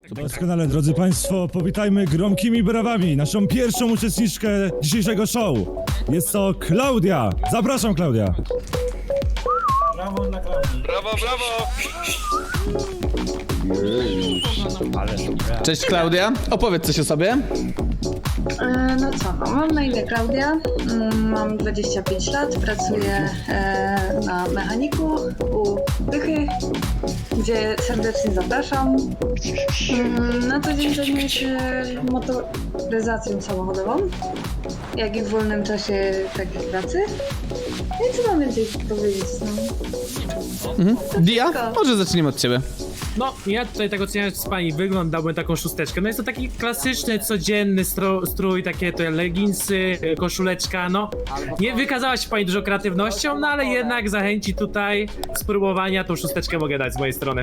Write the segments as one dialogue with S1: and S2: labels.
S1: Doskonale, drodzy Państwo, powitajmy gromkimi brawami naszą pierwszą uczestniczkę dzisiejszego show. Jest to Klaudia. Zapraszam, Klaudia.
S2: Brawo dla Klaudii.
S3: Brawo, brawo!
S4: Cześć Klaudia, opowiedz coś o sobie.
S5: No co, no, mam na imię Klaudia, mam 25 lat, pracuję na mechaniku u Dychy, gdzie serdecznie zapraszam. Na co dzień zajmuję się motoryzacją samochodową, jak i w wolnym czasie takiej pracy. No i co mam więcej powiedzieć?
S4: Dia, może zaczniemy od ciebie.
S2: No, ja tutaj tak oceniam z pani wygląd, dałbym taką szósteczkę. No jest to taki klasyczny, codzienny strój, takie to leginsy, koszuleczka, no. Nie wykazała się pani dużo kreatywnością, no ale jednak zachęci tutaj spróbowania, tą szósteczkę mogę dać z mojej strony.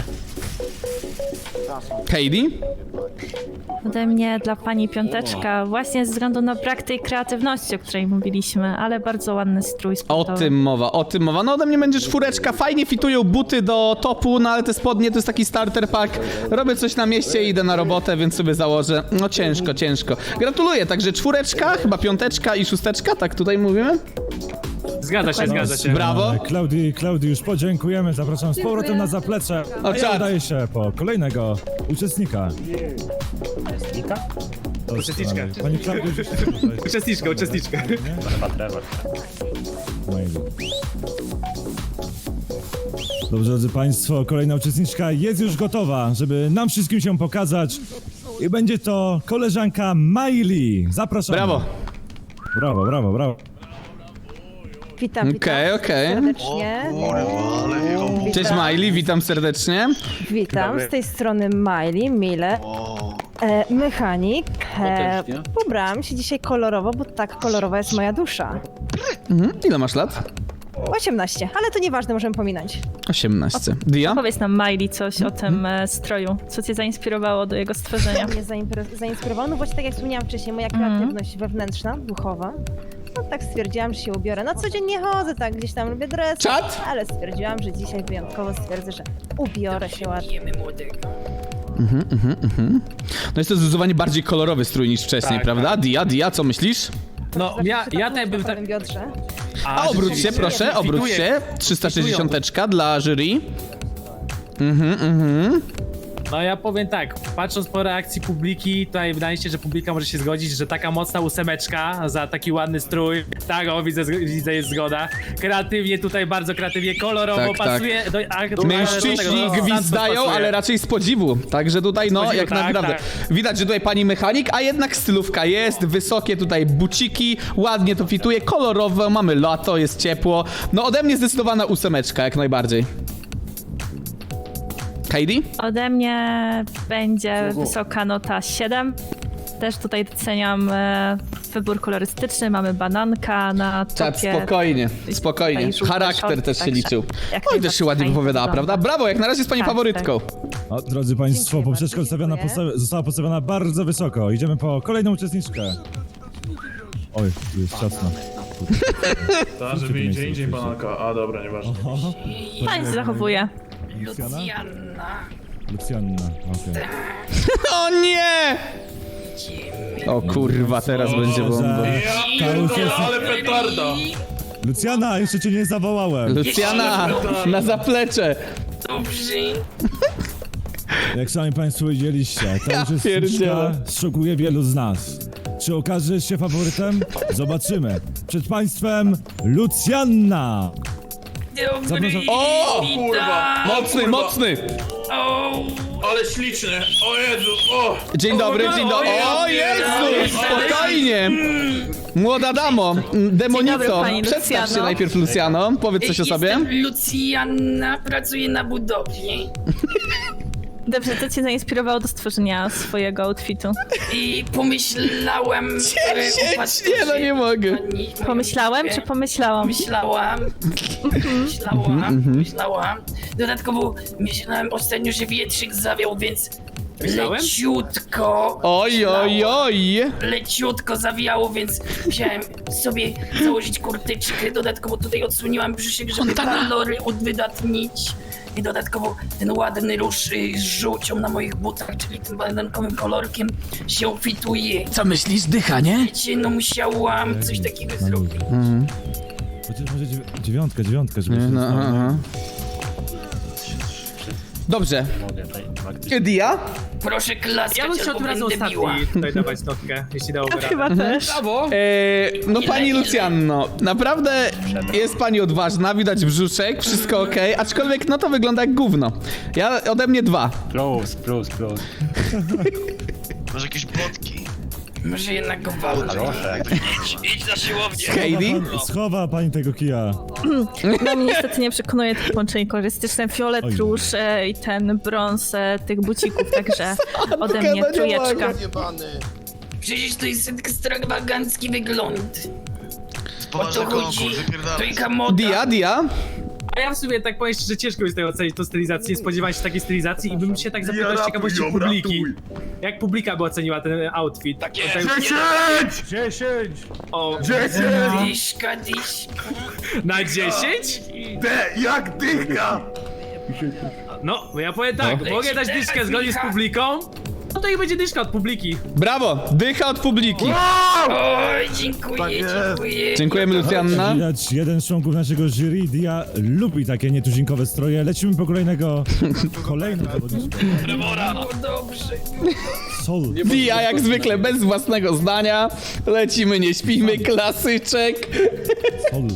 S4: Heidi?
S6: Ode mnie dla pani piąteczka, właśnie ze względu na brak tej kreatywności, o której mówiliśmy, ale bardzo ładny strój
S4: O
S6: sportowy.
S4: tym mowa, o tym mowa. No ode mnie będzie czwóreczka, fajnie fitują buty do topu, no ale te spodnie to jest taki starter pack. Robię coś na mieście i idę na robotę, więc sobie założę. No ciężko, ciężko. Gratuluję, także czwóreczka, chyba piąteczka i szósteczka, tak tutaj mówimy?
S2: Zgadza się, zgadza się.
S4: Brawo.
S1: Klaudii już podziękujemy. Zapraszam z powrotem na zaplecze. A ja
S4: czad.
S1: udaję się po kolejnego uczestnika.
S2: Uczestniczkę.
S1: Pani Klaudia już
S2: Uczestniczka.
S1: Dobrze, drodzy Państwo, kolejna uczestniczka jest już gotowa, żeby nam wszystkim się pokazać. I będzie to koleżanka Miley. Zapraszam.
S4: Brawo.
S1: Brawo.
S7: Witam,
S4: Okej.
S7: serdecznie.
S4: Cześć Miley, witam serdecznie.
S7: Witam, z tej strony Miley, Mile, mechanik. Ubrałam się dzisiaj kolorowo, bo tak kolorowa jest moja dusza.
S4: Ile masz lat?
S7: 18, ale to nieważne, możemy pominąć.
S4: 18. Dia?
S6: Powiedz nam, Miley, coś o tym stroju. Co cię zainspirowało do jego stworzenia?
S7: Mnie zainspirowało, no właśnie tak jak wspomniałam wcześniej, moja kreatywność wewnętrzna, duchowa. No tak stwierdziłam, że się ubiorę. Na co dzień nie chodzę, tak gdzieś tam lubię dresy,
S4: Czad?
S7: ale stwierdziłam, że dzisiaj wyjątkowo stwierdzę, że ubiorę się ładnie.
S4: No jest to zdecydowanie bardziej kolorowy strój niż wcześniej,
S2: Tak,
S4: prawda? Dia, co myślisz?
S2: No, ja tutaj bym tak...
S7: Biodrze.
S4: A obróć się,
S2: rzeczywiście.
S4: proszę, obróć
S2: Fituję.
S4: się. 360 dla jury.
S2: No ja powiem tak, patrząc po reakcji publiki, tutaj wydaje się, że publika może się zgodzić, że taka mocna ósemeczka za taki ładny strój, tak, o widzę jest zgoda, kreatywnie tutaj, bardzo kreatywnie, kolorowo
S4: Tak,
S2: pasuje, do
S4: Mężczyźni gwizdają, ale raczej z podziwu. Także tutaj, no,
S2: podziwu,
S4: jak
S2: tak,
S4: naprawdę.
S2: tak.
S4: Widać, że tutaj pani mechanik, a jednak stylówka jest, wysokie tutaj buciki, ładnie to fituje, kolorowo, mamy lato, jest ciepło. No ode mnie zdecydowana ósemeczka, jak najbardziej. Heidi?
S6: Ode mnie będzie wysoka nota 7. Też tutaj doceniam wybór kolorystyczny. Mamy bananka na
S4: Czad,
S6: topie.
S4: spokojnie.
S6: Tutaj żółte
S4: Charakter
S6: shorty,
S4: też się
S6: także
S4: liczył.
S6: jak
S4: Oj, też się
S6: najbardziej
S4: ładnie
S6: fajnie
S4: wypowiadała,
S6: wygląda.
S4: prawda? Brawo, jak na razie jest pani
S6: Tak,
S4: faworytką.
S1: O, drodzy Państwo,
S7: Dziękuję
S1: poprzeczka
S7: bardzo,
S1: została postawiona bardzo wysoko. Idziemy po kolejną uczestniczkę. Oj, tu jest ciasno.
S8: Tak, żeby idzie indziej bananka. A dobra, nieważne.
S6: Fajnie się zachowuje.
S1: Lucjanna, okej.
S4: O nie! O kurwa, teraz będzie bomba.
S1: Ta uczestniczka...
S8: Ale petarda!
S1: Luciana, jeszcze cię nie zawołałem.
S4: Luciana, na zaplecze.
S1: Jak sami Państwo widzieliście, ta uczestniczka
S4: pierdzielę.
S1: szokuje wielu z nas. Czy okażesz się faworytem? Zobaczymy. Przed Państwem Lucjanna. Zapraszam.
S4: O!
S8: Kurwa!
S4: Mocny!
S8: Ale śliczny! O Jezu! O!
S4: Dzień dobry. O Jezu, spokojnie. Młoda damo, demonico,
S6: dobry, pani
S4: przedstaw się
S6: Lucjano.
S4: najpierw, Luciano. Powiedz coś o sobie.
S9: Jestem Lucjana, pracuję na budowie
S6: Dobrze, co cię zainspirowało do stworzenia swojego outfitu?
S9: i pomyślałem...
S4: Nie, no nie mogę.
S6: Pomyślałem czy pomyślałam?
S9: Myślałam. Dodatkowo myślałem ostatnio, że wietrzyk zawiał, więc
S2: Myślałem?
S9: leciutko zawiało, więc musiałem sobie założyć kurtyczkę. Dodatkowo tutaj odsłoniłam brzuszek, żeby kalory odwydatnić. i dodatkowo ten ładny róż z żółcią na moich butach, czyli tym banankowym kolorkiem się fituje.
S4: Co myślisz, dycha, nie?
S9: Wiecie, no musiałam coś takiego zrobić.
S1: Chociaż może dziewiątka, żeby się
S4: No, aha. Dobrze. Dia?
S9: Proszę klaskać,
S2: Ja bym chciał
S9: albo
S2: tym razem
S9: będę biła.
S2: ostatni tutaj dawać notkę, jeśli dałoby radę.
S6: Chyba też.
S4: No pani Lucjanno, naprawdę jest pani odważna, widać brzuszek, wszystko okej, aczkolwiek no to wygląda jak gówno. Ja ode mnie 2.
S3: Plus.
S10: Może jakieś plotki?
S9: Może jednak go walczę. Idź na siłownię.
S4: Heidi?
S1: Schowa pani tego kija.
S6: No mnie niestety nie przekonuje to połączenie kolorystyczne. Fiolet,
S1: Oj.
S6: róż i ten brąz tych bucików, także ode mnie
S4: no nie
S6: trójeczka.
S9: Przecież to jest ekstrawagancki wygląd. O
S10: Poważny
S9: to chodzi.
S10: konkurs, wypierdalaj.
S9: Trójka moda.
S4: Dia?
S2: A ja w sumie tak powiem szczerze, ciężko jest tutaj ocenić tą stylizację, nie spodziewałem się takiej stylizacji i bym się tak zapytał z ciekawości publiki. Jak publika by oceniła ten outfit? Tak jest.
S8: 10!
S2: O,
S9: Dyszka.
S2: na 10?
S8: Jak dycha!
S2: No, bo ja powiem tak, mogę dać dyszkę zgodnie z publiką, no to i będzie dyszka od publiki.
S4: Brawo, dycha od publiki.
S9: Oj, dziękuję.
S4: Dziękujemy Lucjanna.
S1: Widać, jeden z członków naszego jury, Dia, lubi takie nietuzinkowe stroje. Lecimy po kolejnego zawodniczka.
S9: No dobrze.
S1: Sol.
S4: Dia jak zwykle bez własnego zdania. Lecimy, nie śpimy, klasyczek.
S1: Sol.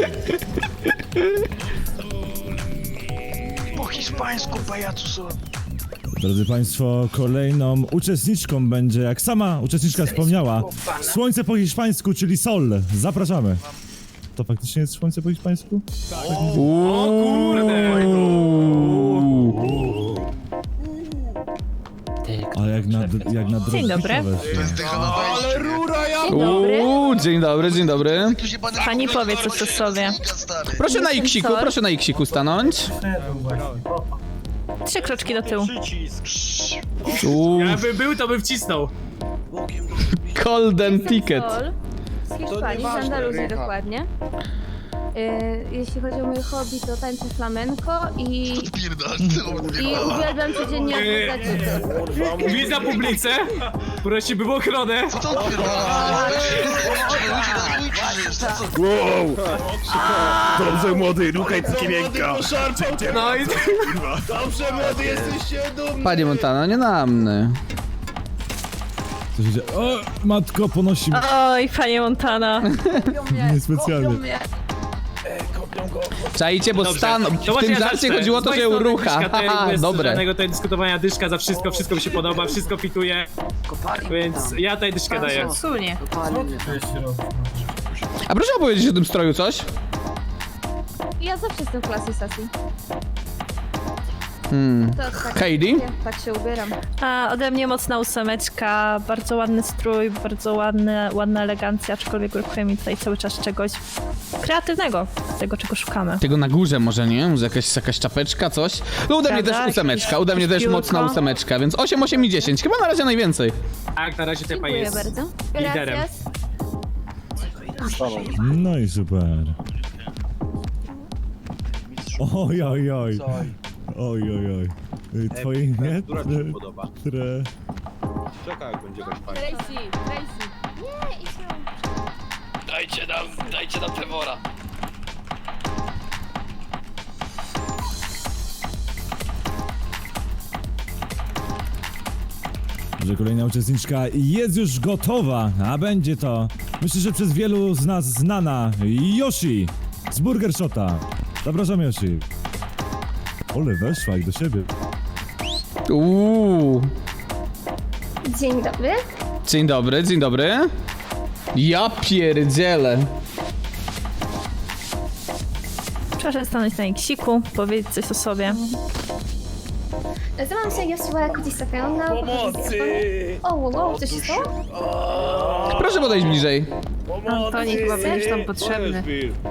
S10: Po hiszpańsku, pajacu są.
S1: Drodzy Państwo, kolejną uczestniczką będzie, jak sama uczestniczka wspomniała, słońce po hiszpańsku, czyli Sol. Zapraszamy. To faktycznie jest słońce po hiszpańsku?
S2: O kurde!
S1: Ale jak na drobnicowe.
S6: Dzień dobry.
S10: To jest dycha na wejściu.
S4: Dzień dobry.
S10: Tu się pan
S6: Pani powie coś o sobie.
S10: stary.
S4: Proszę na iksiku stanąć.
S6: 3 kroczki do tyłu.
S2: Jakby był, to bym wcisnął.
S4: Golden ticket.
S11: Sol z Hiszpanii, z Andaluzji dokładnie. Jeśli chodzi o moje hobby, to tańczę flamenko i uwielbiam codziennie oglądać
S2: Widzę publice, prosi bym o ochronę.
S10: Co to odpierdala? Ludzie na swój krzyż, co?
S8: Dobrze młody, rukaj kimienka.
S2: No i
S8: Dobrze młody, jesteście dumni.
S4: Panie Montana, nie na mnie.
S1: Co się dzieje? O, matko, ponosi mnie
S6: Oj, panie Montana.
S1: niespecjalnie.
S4: Czajcie, bo stan, w tym żarcie chodziło o to, że urucha. Haha, dobre.
S2: Żadnego tutaj dyskutowania, dyszka za wszystko, wszystko mi się podoba, wszystko fituje. Więc ja tutaj dyszkę daję.
S6: Sunie.
S4: A proszę opowiedzieć o tym stroju coś?
S11: Ja zawsze jestem w klasy sesji. To tak,
S4: Heidi?
S11: tak się ubieram.
S6: A ode mnie mocna 8, bardzo ładny strój, bardzo ładna elegancja, aczkolwiek brakuje mi tutaj cały czas czegoś kreatywnego, tego czego szukamy.
S4: Tego na górze może, nie? Może jakaś czapeczka, coś? No ode mnie też
S6: Prawda?
S4: 8, ode mnie też
S6: Piórko.
S4: mocna 8, więc 8, 8 i 10. Chyba na razie najwięcej.
S2: Tak, na razie tutaj pani
S11: Dziękuję
S2: jest
S11: bardzo.
S2: liderem.
S11: Gracias.
S1: No i super. Oj, oj, oj. Oj, oj, oj. Twoje imię?
S11: Tracy. Nie, idź
S9: Dajcie nam Trevora.
S1: Że kolejna uczestniczka jest już gotowa, a będzie to, myślę, że przez wielu z nas znana Yoshi z Burger Shota. Zapraszam, Yoshi. Ole, weszła i do siebie.
S11: Dzień dobry.
S4: Dzień dobry, dzień dobry. Ja pierdzielę.
S6: Proszę stanąć na iksiku, powiedzieć coś o sobie.
S11: Nazywam się Joshua Kudzisaka. Pomocy! O, wow, coś się stało?
S4: Proszę podejść bliżej.
S11: Antoni chyba będziesz tam potrzebny.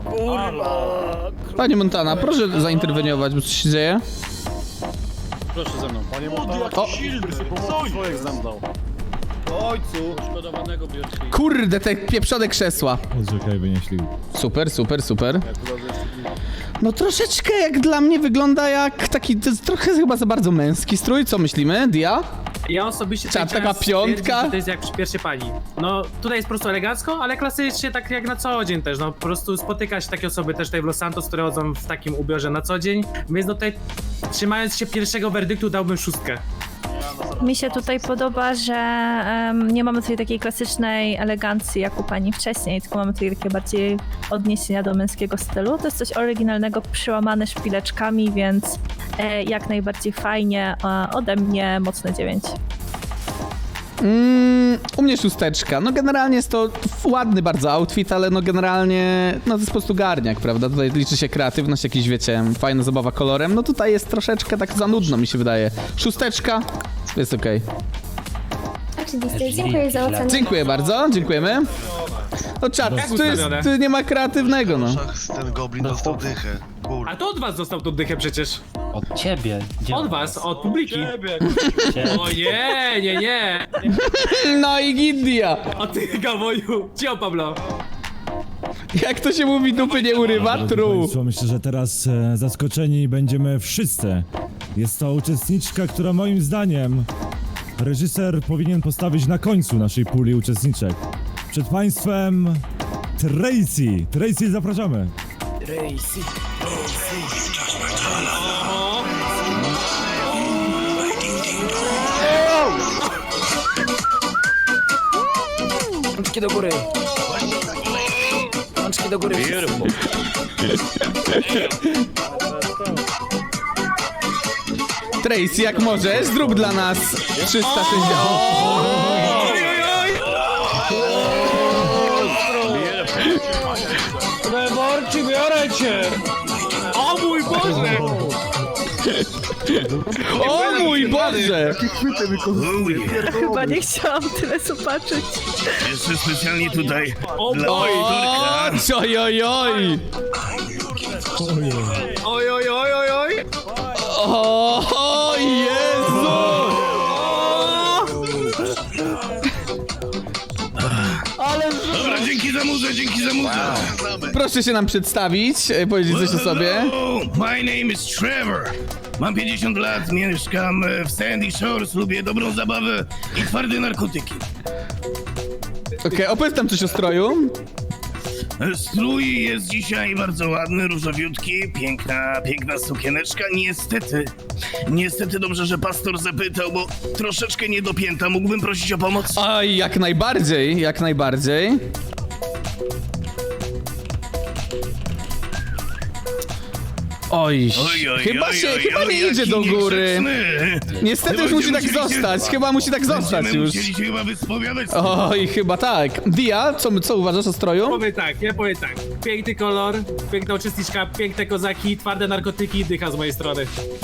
S4: Panie Montana, proszę zainterweniować, bo coś się dzieje.
S3: Proszę ze mną, panie
S4: O,
S3: człowiek zemdlał. Ojcu! Poszkodowanego biochemii.
S4: kurde, te pieprzone krzesła.
S1: Odrzekaj, by nie ślił.
S4: Super. No troszeczkę jak dla mnie wygląda jak taki, to jest trochę chyba za bardzo męski strój, co myślimy, Dia?
S2: Ja osobiście
S4: Taka
S2: chciałem
S4: piątka?
S2: stwierdzić, że to jest jak przy pierwszej pani. No tutaj jest po prostu elegancko, ale klasycznie tak jak na co dzień też, no po prostu spotyka się takie osoby też tutaj w Los Santos, które chodzą w takim ubiorze na co dzień, więc no tutaj trzymając się pierwszego werdyktu dałbym 6.
S6: Mi się tutaj podoba, że nie mamy tutaj takiej klasycznej elegancji jak u pani wcześniej, tylko mamy tutaj takie bardziej odniesienia do męskiego stylu. To jest coś oryginalnego, przełamane szpileczkami, więc jak najbardziej fajnie. Ode mnie mocne 9.
S4: U mnie 6. No generalnie jest to ładny bardzo outfit, ale no generalnie, no to jest po prostu garniak, prawda? Tutaj liczy się kreatywność, jakiś wiecie, fajna zabawa kolorem. No tutaj jest troszeczkę tak za nudno, mi się wydaje. 6. Jest okej.
S11: Oczywiście, dziękuję za ocenę.
S4: Dziękuję bardzo, dziękujemy. No czat, tu nie ma kreatywnego, no.
S10: Ten goblin dostał dychę.
S2: A to od was został tą dychę przecież.
S12: Od ciebie.
S2: Od was, od publiki. O nie.
S4: No i Gidia.
S2: O ty Gawoju. Cio Pablo.
S4: Jak to się mówi, dupy nie urywa?
S1: Drodzy
S4: True.
S1: państwo, myślę, że teraz zaskoczeni będziemy wszyscy. Jest to uczestniczka, która moim zdaniem reżyser powinien postawić na końcu naszej puli uczestniczek. Przed państwem Tracy. Tracy, zapraszamy.
S9: Rączki do góry. Rączki do góry.
S4: Tracy, jak możesz, zrób dla nas 360.
S3: Trevorci, biorę cię!
S2: O mój Boże!
S4: O mój Boże!
S6: Chyba nie chciałam tyle zobaczyć.
S3: Jeszcze specjalnie tutaj
S2: O
S3: dla
S2: boj!
S4: Oj, oj, oj!
S2: Oj!
S4: O Jezu!
S3: Dobra, dzięki za muzę!
S4: Proszę się nam przedstawić, powiedzieć coś o sobie.
S3: Hello, my name is Trevor. Mam 50 lat, mieszkam w Sandy Shores, lubię dobrą zabawę i twarde narkotyki.
S4: Okej, opowiedz tam coś o stroju.
S3: Strój jest dzisiaj bardzo ładny, różowiutki, piękna sukieneczka. Niestety dobrze, że pastor zapytał, bo troszeczkę niedopięta. Mógłbym prosić o pomoc?
S4: Oj, jak najbardziej, jak najbardziej. Oj, chyba nie idzie do góry. Niestety już musi tak zostać, chyba musi tak zostać już.
S3: Musieli się chyba wyspowiadać.
S4: Oj, chyba tak. Dia, co uważasz o stroju?
S2: Ja powiem tak. Piękny kolor, piękna uczestniczka, piękne kozaki, twarde narkotyki, dycha z mojej strony.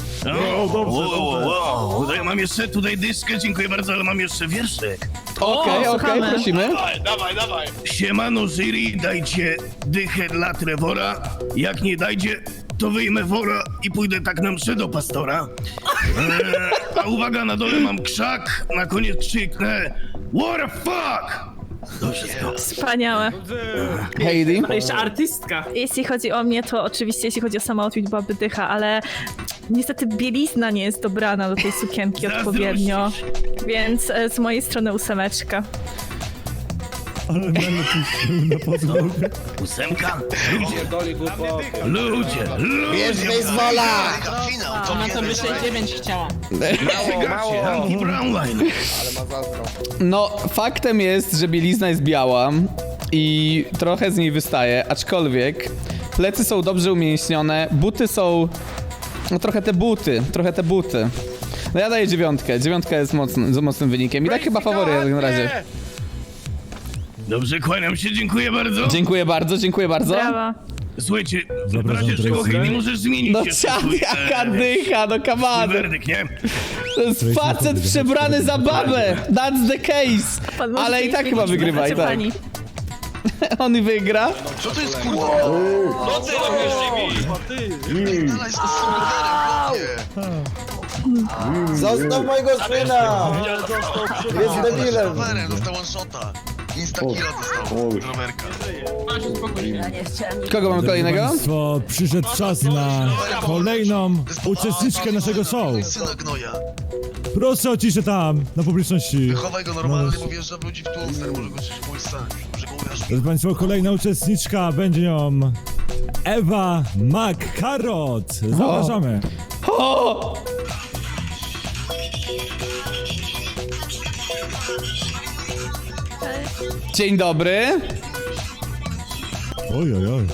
S3: Wow. Tutaj mam jeszcze dyszkę, dziękuję bardzo, ale mam jeszcze wierszyk.
S4: Okej, prosimy.
S3: Dawaj. Siemano jury, dajcie dychę dla Trevora. Jak nie dajdzie, to wyjmę wora i pójdę tak na mszę do pastora. A uwaga, na dole mam krzak, na koniec krzyknę what the fuck! To wszystko.
S6: Wspaniałe.
S4: Heidi.
S2: Ale jeszcze artystka.
S6: Jeśli chodzi o mnie, to oczywiście jeśli chodzi o sam outfit byłaby dycha, ale niestety bielizna nie jest dobrana do tej sukienki odpowiednio, więc z mojej strony 8.
S1: Ale będę na podłogę.
S3: 8? Ludzie!
S10: Bierz baseballa!
S9: Ona to myślę 9 chciała.
S3: Mało! Anti-Brownline!
S4: No, faktem jest, że bielizna jest biała i trochę z niej wystaje, aczkolwiek plecy są dobrze umięśnione, buty są... No trochę te buty. No ja daję 9. 9 jest mocnym wynikiem i tak chyba faworyt na razie.
S3: Dobrze, kłaniam się, dziękuję bardzo.
S4: Dziękuję bardzo.
S6: Brawo.
S3: Słuchajcie, w
S1: Zapraszam,
S3: razie czego
S1: Tracy.
S3: nie możesz zmienić
S4: No
S3: jeszcze
S4: czad,
S3: swój,
S4: jaka dycha, no come on.
S3: werdykt, nie?
S4: To jest facet przebrany za babę. That's the case.
S6: Pan może
S4: Ale i tak chyba wygrywa, i tak.
S6: Pani.
S4: On wygra.
S10: Co to jest kurwa? No ty robisz z
S12: Zostaw mojego syna! Jest debilem!
S10: Dostał one shota. Instakira dostał. Rowerka.
S4: Kogo mamy kolejnego?
S1: Państwo, przyszedł czas na kolejną uczestniczkę naszego show.
S10: Syna gnoja.
S1: Proszę o ciszę tam, na publiczności.
S10: Wychowaj go normalnie, bo wjeżdża w ludzi w tłum, stary, może go coś mój stać. Może go ujarzmi.
S1: Drodzy Państwo, kolejna uczestniczka będzie nią Ewa McCarrot. Zapraszamy.
S4: O! Dzień dobry.
S1: Oj, oj, oj.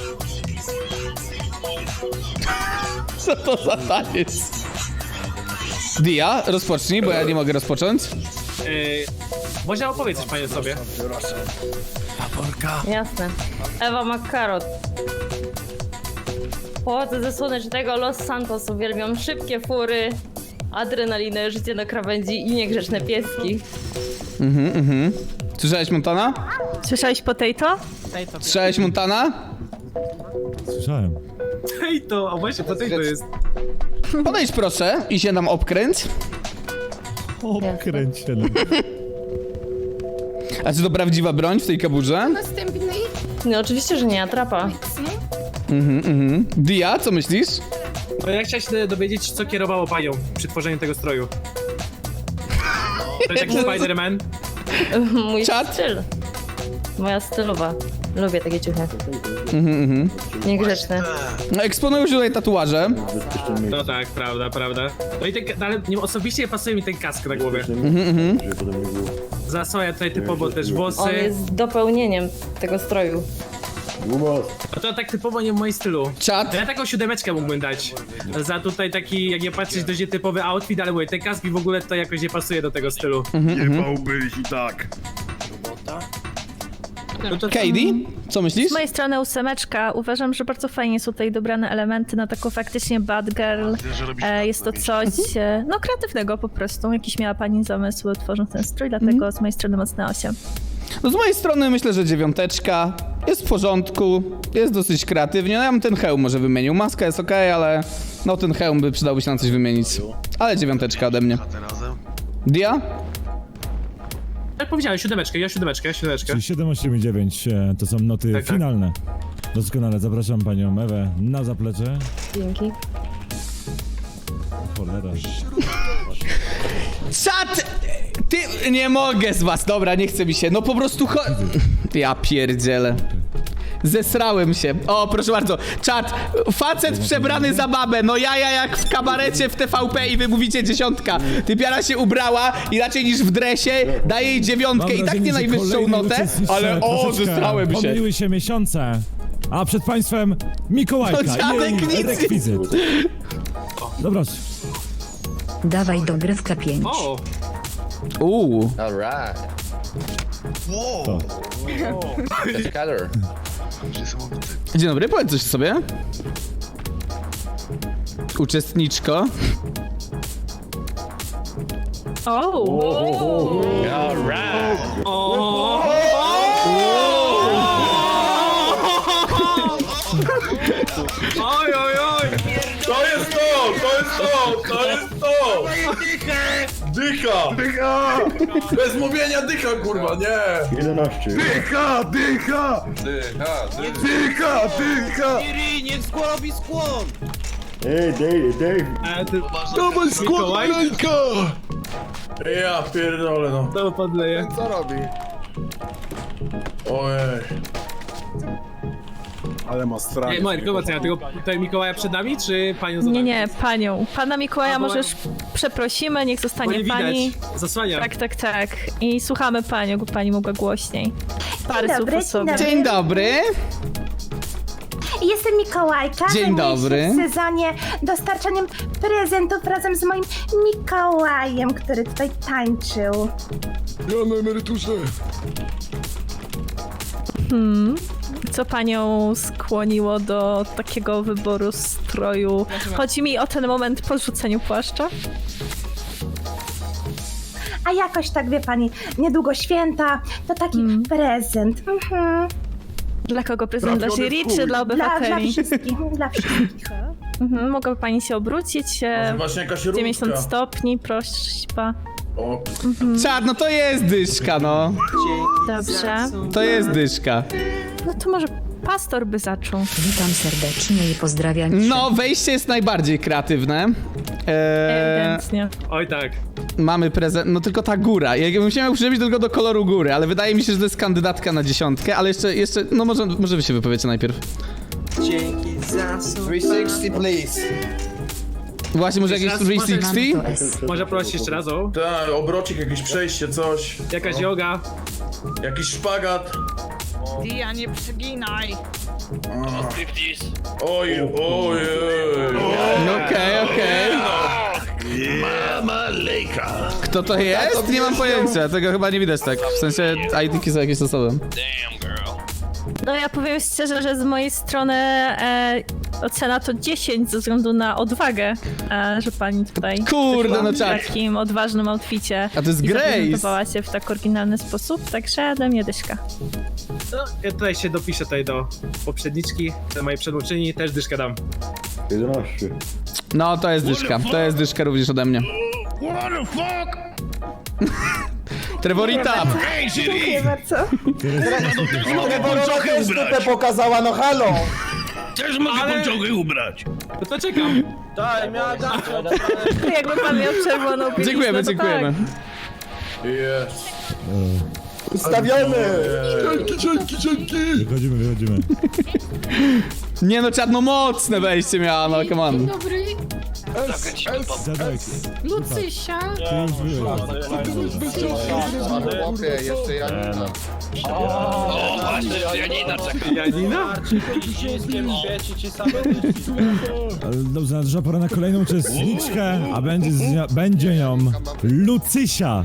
S4: Co to za taniec? Dia, rozpocznij, bo ja nie mogę rozpocząć.
S2: Może opowiedz coś pani o sobie.
S11: Jasne. Ewa McCarrot. Pochodzę ze słonecznego Los Santos. Uwielbiam szybkie fury, adrenalinę, życie na krawędzi i niegrzeczne pieski.
S4: Słyszałeś Montana?
S6: Słyszałeś potato?
S4: Słyszałeś Montana?
S1: Słyszałem.
S2: Hej to, a właśnie po tej to jest.
S4: Podejdź proszę i się nam obkręć.
S1: O, kręciele.
S4: A czy to prawdziwa broń w tej kaburze?
S11: No oczywiście, że nie, atrapa.
S4: Dia, co myślisz?
S2: No ja chciałem się dowiedzieć, co kierowało panią przy tworzeniu tego stroju. To jest taki Spider-Man.
S11: Mój
S4: Czad?
S11: styl. Moja stylowa. Lubię takie ciuchy. Niegrzeczne.
S4: No, eksponujesz tutaj tatuaże.
S2: No tak, prawda, prawda. No i ten, ale nie, osobiście pasuje mi ten kask na głowie. Zasłania tutaj typowo też
S11: On
S2: włosy.
S11: jest dopełnieniem tego stroju.
S2: No to tak typowo nie w moim stylu.
S4: Czad?
S2: Ja taką 7 mógłbym dać. Za tutaj taki, jak nie patrzeć, dość typowy outfit, ale mówię, ten kask i w ogóle to jakoś nie pasuje do tego stylu.
S3: Nie bałbyś i tak.
S2: No to
S4: Katie, co myślisz?
S6: Z mojej strony 8. Uważam, że bardzo fajnie są tutaj dobrane elementy na taką faktycznie bad girl. Jest to coś, no kreatywnego po prostu. Jakiś miała pani zamysł tworząc ten strój, dlatego z mojej strony mocne 8.
S4: No z mojej strony myślę, że 9. Jest w porządku, jest dosyć kreatywnie. No ja bym ten hełm może wymienił. Maska jest okej, ale no ten hełm by przydałby się na coś wymienić. Ale 9 ode mnie. Dia?
S2: Jak powiedziałem, 7, ja 7.
S1: Czyli 7, 8 i 9 to są noty
S2: Tak, tak.
S1: finalne. Doskonale, zapraszam panią Ewę na zaplecze.
S11: Dzięki.
S1: Cholera.
S4: Czad! Ty, nie mogę z was, dobra, nie chce mi się. No po prostu ja pierdzielę. Zesrałem się. O, proszę bardzo. Czad, facet przebrany za babę. No ja jak w kabarecie w TVP i wy mówicie 10. Typiara się ubrała i raczej niż w dresie daje jej 9
S1: Mam
S4: i tak
S1: wrażenie,
S4: nie
S1: że
S4: najwyższą
S1: kolejni
S4: notę,
S1: uczestnicy
S4: ale o,
S1: troszeczkę
S4: zesrałem się.
S1: pomyliły się miesiące. A przed państwem Mikołajka
S4: No dziadek
S1: i
S4: nic
S1: jej
S4: nie-
S1: rekwizyt. Dobra,
S12: Dawaj dogrywka 5.
S2: O!
S10: Wow.
S1: to.
S10: Niesamowity.
S4: Dzień dobry, powiedz coś sobie. Uczestniczko.
S2: Oj, oj, oj!
S8: To jest to! To jest to! To jest to! Dycha!
S3: Dycha!
S8: Bez mówienia dycha, kurwa, nie!
S3: 11. Dycha! Dycha! Dycha! Dycha!
S2: Niech skło robi skłon!
S3: Ej, Dave!
S2: Dawaj skłon,
S3: ręka!
S8: Ja pierdolę, no.
S2: to podleję.
S3: Co robi?
S8: Ojej.
S3: Ale ma strach.
S2: Ej, Marek, zobacz, ja tego tutaj Mikołaja przed nami, czy panią za
S6: Nie,
S2: nami?
S6: nie, panią. Pana Mikołaja
S2: A, bo-
S6: możesz przeprosimy, niech
S2: Bo
S6: zostanie
S2: nie
S6: pani.
S2: widać, zasłania.
S6: Tak. I słuchamy panią, by pani mogła głośniej. Parę słów o sobie.
S4: Dzień dobry.
S12: Jestem Mikołajka.
S4: Dzień
S12: Zajmuję
S4: dobry.
S12: się w sezonie dostarczaniem prezentów razem z moim Mikołajem, który tutaj tańczył.
S3: Ja na emeryturze.
S6: Co panią skłoniło do takiego wyboru stroju? Chodzi mi o ten moment po rzuceniu płaszcza.
S12: A jakoś tak, wie pani, niedługo święta, to taki prezent.
S6: Dla kogo prezent? Dla jury czy dla
S12: Dla
S6: obywateli?
S12: wszystkich, dla wszystkich.
S6: Mogłaby pani się obrócić.
S8: Może właśnie jakaś
S6: 90
S8: różdżka.
S6: stopni, prośba.
S8: O,
S4: Czad, no to jest dyszka, no.
S6: Dobrze.
S4: To jest dyszka.
S6: No to może pastor by zaczął.
S13: Witam serdecznie i pozdrawiam.
S4: No, wejście jest najbardziej kreatywne.
S6: Ewidentnie.
S2: Oj tak.
S4: Mamy prezent, no tylko ta góra. Ja bym chciał przyjrzeć tylko do koloru góry, ale wydaje mi się, że to jest kandydatka na 10, ale jeszcze, no może wy się wypowiecie najpierw.
S14: Dzięki za 360, please.
S4: Właśnie, może jakieś 360?
S2: Może prosić jeszcze raz o.
S8: tak, obrocik, jakieś przejście, coś.
S2: Jakaś yoga.
S8: Jakiś szpagat.
S7: Dia, nie przyginaj.
S8: Oj, ojej.
S4: Okej.
S3: Mama lejka.
S4: Kto to jest? Nie mam pojęcia, tego chyba nie widać tak. W sensie ID-ki są jakieś osobem.
S6: No ja powiem szczerze, że z mojej strony ocena to 10 ze względu na odwagę, że pani tutaj
S4: Kurde,
S6: wyszła
S4: no
S6: w
S4: tak.
S6: takim odważnym outficie.
S4: A to jest
S6: i
S4: Grace.
S6: zaprezentowała się w tak oryginalny sposób, także ode mnie dyszka.
S2: No, ja tutaj się dopiszę tutaj do poprzedniczki, do mojej przedmówczyni, też dyszkę dam.
S4: No, to jest dyszka. To jest dyszka również ode mnie.
S3: What the fuck?
S4: Trevorita!
S3: Ej, Siri!
S12: Dziękuję bardzo.
S3: Też mogę pończochy ubrać.
S14: pokazała, no halo.
S3: Też mogę pończochy ubrać.
S2: No to czekam.
S6: Jakby pan miał czerwoną bieliznę,
S4: Dziękujemy,
S6: to
S4: dziękujemy.
S8: Jest.
S14: Ustawiony.
S1: Wychodzimy.
S4: Nie no, czarno mocne wejście miała, no come on.
S11: Dobry,
S1: Zadek.
S11: Lucysia.
S1: Ty już byłeś.
S14: Chłopie, jeszcze Janina.
S3: O, właśnie, Janina czeka.
S2: Janina?
S1: Ale dobrze, nadeszła pora na kolejną uczestniczkę, a będzie nią Lucysia.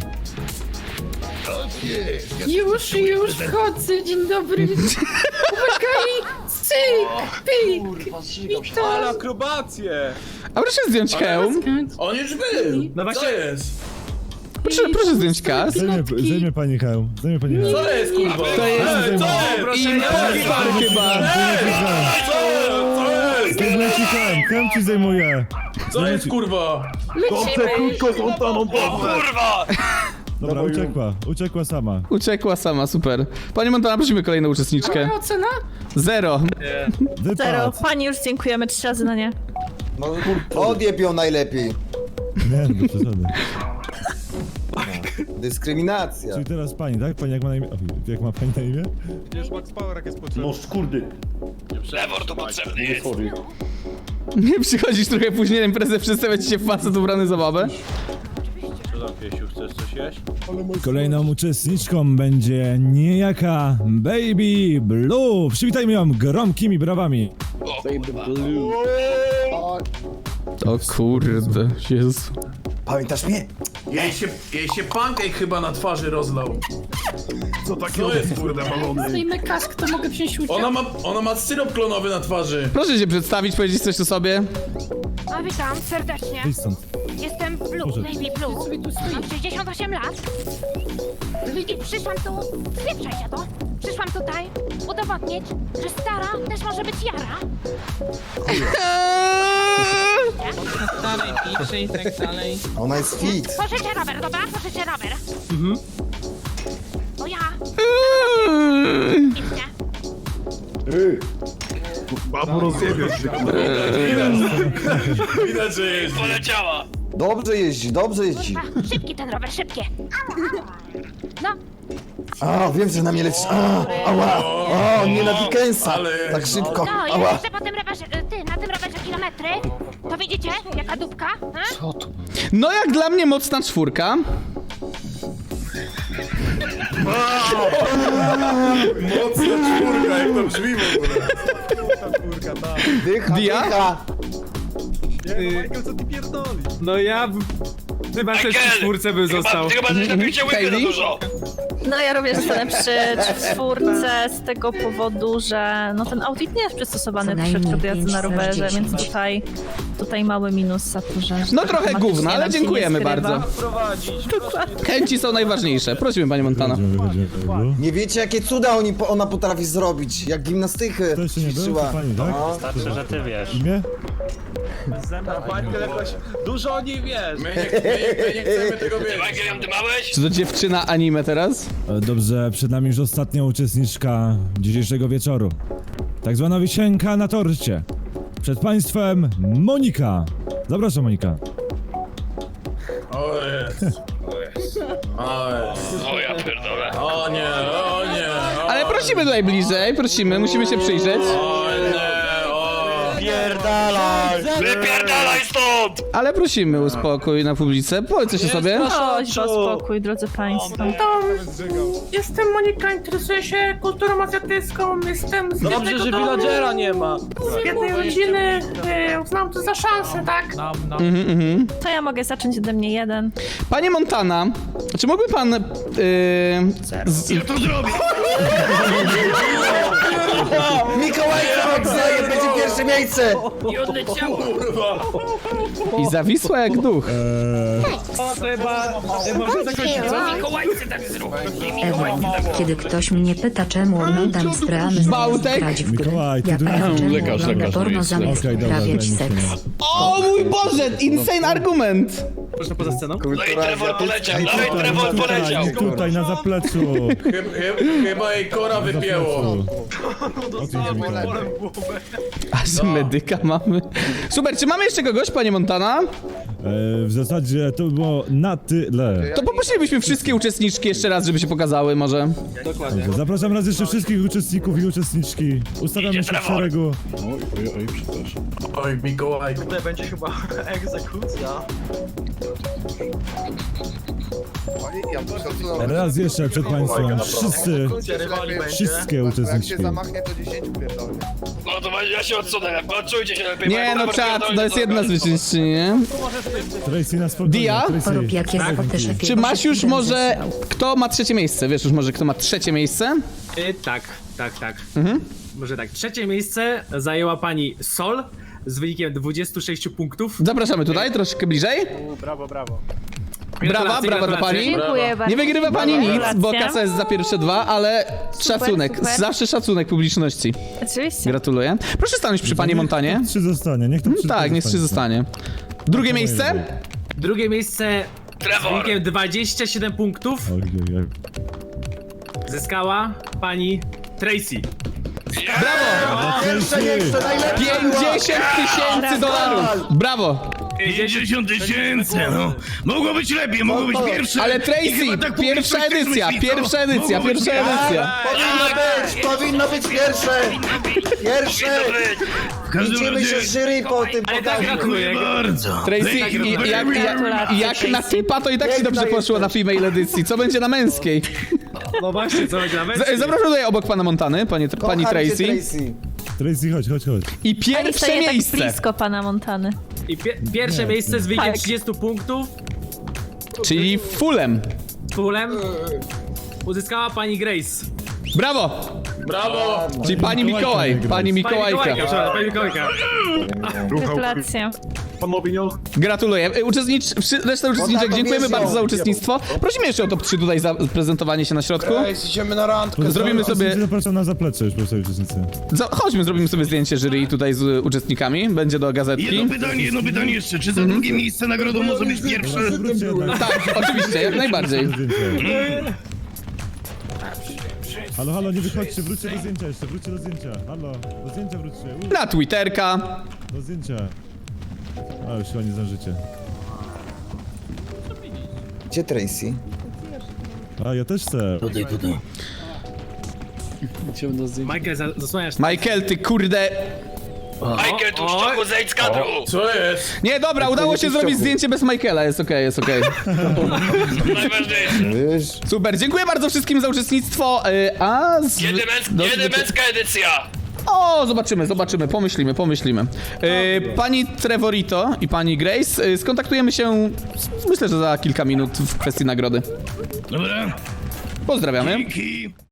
S11: Już wchodzę, dzień dobry. Uwaga, cyk, pyk.
S14: Ale akrobacje.
S4: A proszę zdjąć hełm.
S8: On już był.
S2: No właśnie.
S8: Co jest?
S4: Proszę zdjąć kas.
S1: Zajmie pani hełm.
S8: Co jest, kurwa?
S4: To jest impostor chyba.
S1: Zdejmuję ci hełm, hełm ci zdejmuję.
S8: Co jest, kurwa?
S1: Dobra, uciekła sama.
S4: Uciekła sama, super. Pani Montana, prosimy kolejną uczestniczkę.
S11: Ocena?
S4: 0.
S6: Zero. Pani już dziękujemy 3 razy na nie.
S14: No odjeb ją najlepiej.
S1: Nie, no przesady.
S14: Dyskryminacja.
S1: Czyli teraz pani, tak? Pani jak ma na imię? Jak ma pani na imię?
S3: No szkurdy. Trevor to potrzebny jest.
S4: Nie przychodzisz trochę później na imprezę, przedstawia ci się facet ubrany za babę?
S1: Kolejną uczestniczką będzie niejaka Baby Blue. Przywitajmy ją gromkimi brawami.
S4: O kurde, Jezu.
S14: Pamiętasz mnie?
S8: Jej się pancake chyba na twarzy rozlał. Co takiego? Co jest, kurde, balony?
S11: Zdejmę kask, to mogę wziąć udział.
S8: Ona ma syrop klonowy na twarzy.
S4: Proszę się przedstawić, powiedzieć coś o sobie.
S11: A witam serdecznie.
S1: Wyjdź stąd.
S11: Jestem Blue,
S1: Boże.
S11: Baby Blue. Mam 68 lat. I przyszłam tu... Spieprzaj się to. Przyszłam tutaj udowodnić, że stara też może być jara.
S14: Dalej, pisze i tak dalej. Ona jest fit.
S11: Pożyczę rower, dobra? Pożyczę rower. O ja. Idźcie.
S3: Babu rozjebiesz się.
S8: Widać, że jest.
S3: Poleciała.
S14: Dobrze jeździ, dobrze jeździ.
S11: Szybki ten rower, szybkie. No,
S14: A, wiem, że na mnie lecisz. A, ała. O, nie na Dickensa.
S8: Ale-
S14: Tak szybko.
S11: no,
S14: Ała.
S11: jeszcze po tym rowerze, na tym rowerze kilometry. To widzicie, jaka dupka?
S4: No jak dla mnie mocna 4.
S8: Mocna czwórka, jak to brzmi w ogóle.
S14: Dycha,
S4: Dia?
S14: dycha.
S2: No ja... Chyba też przy 4 bym został.
S3: Chyba też napiłcie łyby za
S4: Hayley?
S3: dużo.
S6: No ja również zostanę przy 4 z tego powodu, że no ten outfit nie jest przystosowany
S13: Co
S6: troszeczkę
S13: najmniej
S6: do jazdy na
S13: 5
S6: rowerze,
S13: razy
S6: więc
S13: 10.
S6: tutaj mały minus za to, że...
S4: No trochę
S6: tematycznie
S4: gówno, ale
S6: nam się nie
S4: dziękujemy
S6: skrywa.
S4: bardzo. Chęci są najważniejsze. Prosimy, pani Montana.
S1: Wychodzimy, Blue.
S14: Nie wiecie, jakie cuda ona potrafi zrobić. Jak gimnastykę
S1: To jeszcze nie było,
S14: ćwiczyła.
S1: to pani, tak?
S14: No.
S1: Starczy, że ty wiesz. Imię?
S8: Pani jakoś dużo o niej wiesz. My nie chcemy tego wiedzieć.
S4: Czy to dziewczyna anime teraz?
S1: Dobrze, przed nami już ostatnia uczestniczka dzisiejszego wieczoru. Tak zwana wisienka na torcie. Przed państwem Monika. Zapraszam, Monika.
S8: O jest. O ja pierdolę. O nie.
S4: Ale prosimy tutaj bliżej, prosimy, musimy się przyjrzeć.
S8: Wypierdalaj stąd!
S4: Ale prosimy o spokój na publice, powiedz coś o sobie.
S6: Prośba o spokój, drodzy państwo.
S2: Jestem Monika, interesuję się kulturą azjatycką, jestem z
S8: Dobrze, że villagera nie ma.
S2: z biednej rodziny, uznałam to za szansę, tak?
S6: To ja mogę zacząć ode mnie jeden.
S4: Panie Montana, czy mógłby pan...
S3: Ja to zrobię!
S14: Mikołajka oddaje, będzie pierwsze miejsce!
S9: I odleciało.
S4: I zawisła jak duch.
S2: Może zakończyć, co?
S9: Mikołajce tak zrób.
S13: Kiedy ktoś mnie pyta, czemu oglądam streamy
S4: Bałtek?
S13: grać w gry,
S1: Mikołaj, ty
S13: ja
S1: tu-
S13: pytam, czemu
S8: Lekarz
S13: ogląda porno zamiast
S1: Okej, dobra,
S13: uprawiać
S1: daj mi
S13: seks.
S1: chwilę.
S4: O mój Boże, insane argument!
S2: Proszę poza sceną.
S1: Tutaj na zapleczu.
S8: Chyba jej kora wypięło.
S4: Aż medyka mamy. Super, czy mamy jeszcze kogoś, panie Montana?
S1: W zasadzie to było na tyle.
S4: To poprosilibyśmy wszystkie uczestniczki jeszcze raz, żeby się pokazały może.
S1: Dobrze, zapraszam raz jeszcze wszystkich uczestników i uczestniczki. Ustawiamy się w szeregu.
S8: Oj, Mikołaj.
S15: Tutaj będzie chyba egzekucja.
S1: Raz jeszcze przed państwem wszyscy,
S15: Rywali będzie.
S1: wszystkie uczestniczki.
S8: No to ja się odsunę, czujcie się lepiej.
S4: Nie no czad, to jest jedna zwyciężczyni, nie?
S1: Tracy na spokojnie.
S4: Dia?
S1: Tracy.
S13: Porób jakie też
S4: Czy masz już może... Kto ma trzecie miejsce? Wiesz już może kto ma trzecie miejsce?
S2: Tak. Może tak, trzecie miejsce zajęła pani Sol z wynikiem 26 punktów.
S4: Zapraszamy tutaj, troszkę bliżej.
S15: Brawo.
S4: Brawa dla
S2: gratulacje.
S4: pani.
S11: Dziękuję bardzo.
S4: Nie wygrywa pani nic, bo
S6: Gratulacje.
S4: kasa jest za pierwsze dwa, ale szacunek,
S6: super.
S4: zawsze szacunek publiczności.
S6: Oczywiście.
S4: Gratuluję. Proszę stanąć przy panie Montanie.
S1: Niech 3 zostanie, niech to 3
S4: Tak, niech 3 zostanie. Drugie miejsce?
S2: Drugie miejsce z wynikiem 27 punktów zyskała pani Tracy.
S4: Brawo!
S14: Pierwsze miejsce, najlepsze!
S4: 50 000 dolarów! Brawo!
S3: 50 000, no. Mogło być lepiej, mogło być pierwsze.
S4: Ale
S3: I
S4: Tracy,
S3: chyba tak
S4: pierwsza
S3: publiczność
S4: edycja,
S3: myśli,
S4: pierwsza
S3: no.
S4: edycja,
S3: Mogło być
S4: pierwsza edycja.
S14: Powinno być pierwsze! Pierwsze!
S3: W każdym
S14: Liczymy się
S3: razie...
S14: z jury po tym
S2: Ale tak
S14: pokazie.
S2: gratuluję.
S3: Bardzo.
S4: Tracy, jak na typa, to i tak ci dobrze poszło na female edycji. Co będzie na męskiej?
S2: No właśnie, co będzie nawet?
S4: Zapraszam tutaj obok pana Montany, pani
S14: Kocham cię,
S4: Tracy.
S1: Tracy, chodź.
S4: I
S6: Pani
S4: pierwsze
S6: staje tak
S4: miejsce.
S6: blisko pana Montany.
S2: I pierwsze miejsce z wynikiem
S6: Tak.
S2: 30 punktów
S4: Czyli fullem.
S2: fulem uzyskała pani Grace.
S4: Brawo!
S8: Brawo!
S4: Czyli pani Mikołaj, pani Mikołajka.
S2: Pani Mikołajka.
S6: Gratulacje.
S4: Gratuluję. Reszta uczestniczek, dziękujemy bardzo za uczestnictwo. Prosimy jeszcze o top 3 tutaj za prezentowanie się na środku.
S14: Idziemy na randkę.
S4: Zrobimy sobie...
S1: Zapraszam na zaplecze już po sobie uczestnicy.
S4: Chodźmy, zrobimy sobie zdjęcie jury tutaj z uczestnikami. Będzie do gazetki.
S3: Jedno pytanie jeszcze. Czy za drugie miejsce nagrodą może być pierwsze?
S1: Wróćcie jednak.
S4: Tak, oczywiście, jak najbardziej.
S1: Halo, nie wychodźcie, wróćcie do zdjęcia jeszcze, wróćcie do zdjęcia. Halo, do zdjęcia wróćcie.
S4: Na Twitterka.
S1: Do zdjęcia. A, już chyba nie zdążycie.
S14: Gdzie Tracy?
S1: A, ja też chcę.
S3: Tutaj.
S2: Michael, zasłaniasz.
S4: Michael, ty kurde...
S8: Michael, tu szczoku, zejdź z kadru! Co jest?
S4: Nie, dobra, udało się zrobić zdjęcie bez Michaela, jest okej, jest okej.
S14: Wiesz?
S4: Super, dziękuję bardzo wszystkim za uczestnictwo, a...
S8: Kiedy męska edycja?
S4: O, zobaczymy, pomyślimy. Pani Trevorito i pani Grace, skontaktujemy się, myślę, że za kilka minut w kwestii nagrody.
S3: Dobra.
S4: Pozdrawiamy.
S3: Dzięki.